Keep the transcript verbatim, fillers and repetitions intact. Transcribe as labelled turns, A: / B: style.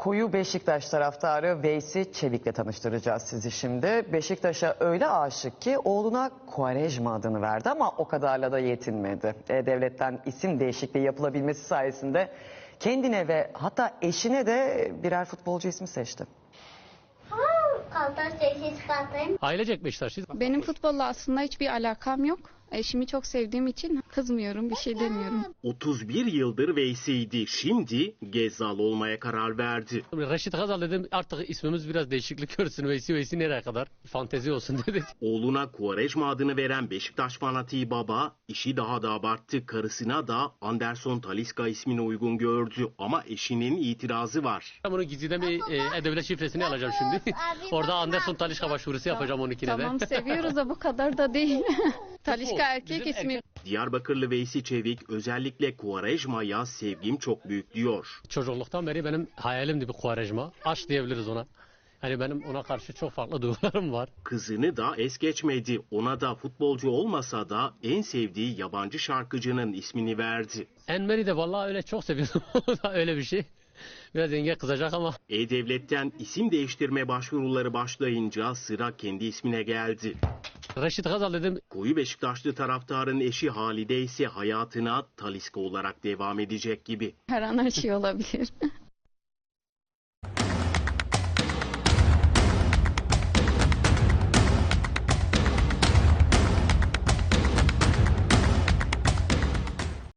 A: Koyu Beşiktaş taraftarı Veysi Çevik'le tanıştıracağız sizi şimdi. Beşiktaş'a öyle aşık ki oğluna Quaresma adını verdi ama o kadarla da yetinmedi. E-Devlet'ten isim değişikliği yapılabilmesi sayesinde kendine ve hatta eşine de birer futbolcu ismi seçti.
B: Ailecek Beşiktaşlıyız.
C: Benim futbolla aslında hiçbir alakam yok. Eşimi çok sevdiğim için kızmıyorum, bir şey demiyorum.
D: otuz bir yıldır Veysi'ydi. Şimdi Gezzal olmaya karar verdi.
B: Reşit Gazal dedim, artık ismimiz biraz değişiklik görsün. Veysi Veysi nereye kadar? Fantezi olsun dedik.
D: Oğluna Quaresma adını veren Beşiktaş fanatiği baba işi daha da abarttı. Karısına da Anderson Talisca ismini uygun gördü. Ama eşinin itirazı var.
B: Ben bunu gizliden bir e, E-Devlet şifresini alacağım şimdi. Orada Anderson Talisca başvurusu yapacağım onunkine de.
C: Tamam, seviyoruz da bu kadar da değil. Talisca erkek ismi.
D: Diyarbakırlı Veysi Çevik özellikle Quaresma'ya sevgim çok büyük diyor.
B: Çocukluktan beri benim hayalimdi bir Quaresma. Aşk diyebiliriz ona. Hani benim ona karşı çok farklı duygularım var.
D: Kızını da es geçmedi. Ona da futbolcu olmasa da en sevdiği yabancı şarkıcının ismini verdi.
B: Enmer'i de vallahi öyle çok seviyordum. Öyle bir şey. Biraz yenge kızacak ama.
D: E-Devlet'ten isim değiştirme başvuruları başlayınca sıra kendi ismine geldi.
B: Reşit Gazal dedim.
D: Koyu Beşiktaşlı taraftarın eşi Halide ise hayatına Talisca olarak devam edecek gibi.
C: Her an her şey olabilir.